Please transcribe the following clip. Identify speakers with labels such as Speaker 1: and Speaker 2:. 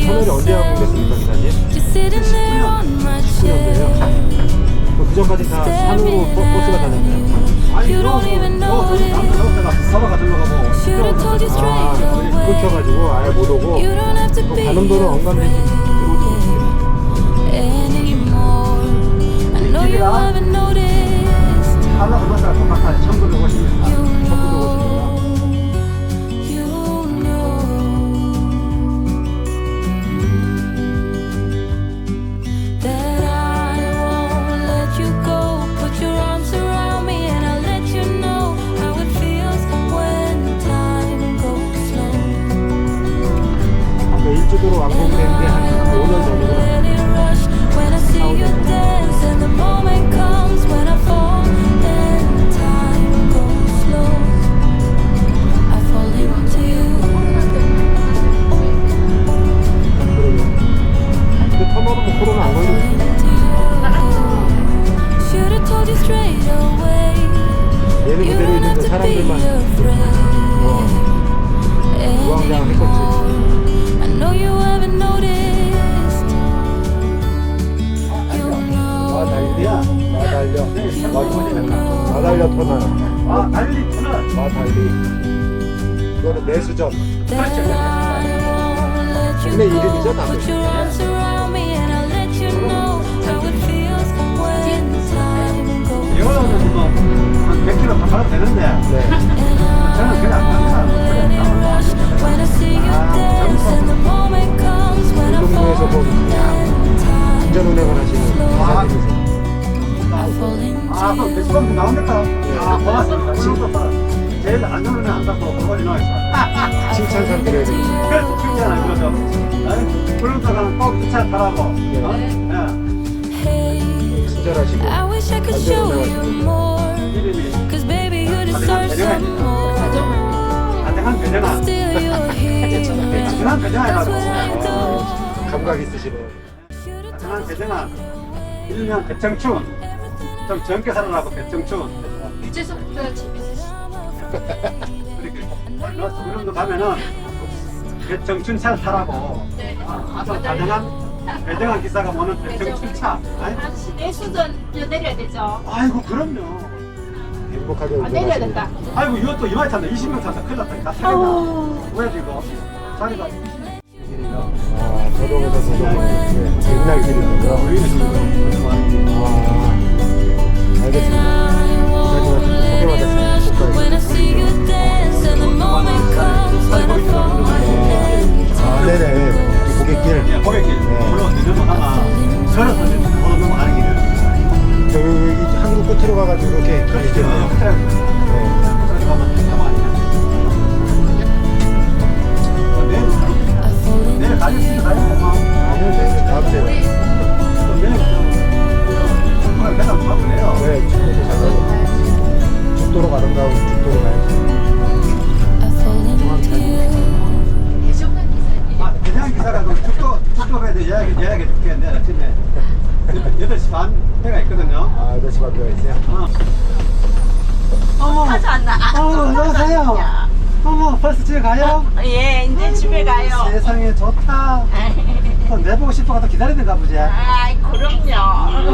Speaker 1: 채널이 언제 한국됐습니까, 기사님? 19년도에요. 그 전까지 다 산으로 버스가 다녔나요?
Speaker 2: 아니 내가 서버가 들러가고
Speaker 1: 아, 끊겨가지고 아예 못 오고 또 가는 도로 엉감되지 들어오지
Speaker 2: 집이랑 하나 얼마나 똑같아 1950년
Speaker 1: 1950년. 일주도로 완공된 게 한 5년 전이구나. 근데 터널은 뭐 코로나 안 걸리고 얘는 그대로 있는데 사람들만 우왕좌왕 했겠지. 마달려 터널.
Speaker 2: 아 달리 터널
Speaker 1: 마달리. 이거는 내수전. 국내 이름이죠, 나도.
Speaker 2: 이거는 뭐한 100km 가도 되는데
Speaker 1: 네.
Speaker 2: 저는 그냥 안 갑니다.
Speaker 1: 운동부에서 본 운전 운행을 하시는 기사님이세요.
Speaker 2: 또 매시범 나옵니까? 고맙습니다. 지금부터 제일 안전운행 한다고 그거리 나와있어.
Speaker 1: 칭찬상 드려야 되겠어요.
Speaker 2: 그래서 칭찬을 그러죠. 불륜터가는 꼭 이 차 타라고.
Speaker 1: 친절하시고 안전 운행하시고.
Speaker 2: 이름이 가정한 배정아. 가정한 배정아 해가지고.
Speaker 1: 감각 있으시네.
Speaker 2: 가정한 배정아. 일명 배청춘. 좀 젊게 살아라고 배청춘.
Speaker 3: 유재석보다 재밌으시죠?
Speaker 2: 그렇게 그런도 가면은 배청춘 차 타라고.
Speaker 3: 네.
Speaker 2: 아주 가정한 배정한 기사가 모는 배청춘 차.
Speaker 3: 아저씨 내수전 내려야 되죠?
Speaker 2: 아이고 그럼요.
Speaker 1: 행복하게
Speaker 3: 내려야
Speaker 1: 운전하시고.
Speaker 3: 된다.
Speaker 2: 아이고 이것도 이마에 탄다 20명 탄다 큰일 났다 다 타겠다 왜 지금 자리가
Speaker 1: 아, 도동에서 도동. 네, 옛날 길이군요. 아, 알겠습니다. 기사님한테 소개받았습니다. 아, 네네. 고객길.
Speaker 2: 고객길 물론 넘어가면 걸어서 넘어가는 길이에요
Speaker 1: 저기 한국 끝으로 가가지고 이렇게 길이 있겠네요. 네.
Speaker 2: 내일 가겠습니다 가요
Speaker 1: 아니요, 저희 다음 주에.
Speaker 2: 내일 정말 배당 잡으래요
Speaker 1: 네, 축구도 잘 가고. 죽도록 아름다운 죽도로 가야지.
Speaker 2: 대장 기사가 축도에 대해 예약해 줄게 내일 아침에 8시 반 회가 있거든요
Speaker 1: 아, 아저씨 만들어 있어요?
Speaker 3: 하지 않나?
Speaker 2: 안녕하세요 어머 벌써 집에 가요?
Speaker 3: 예, 이제 집에 가요.
Speaker 2: 세상에 좋다 또 내보고 싶어가 또 기다리는가 보지
Speaker 3: 아이, 그럼요.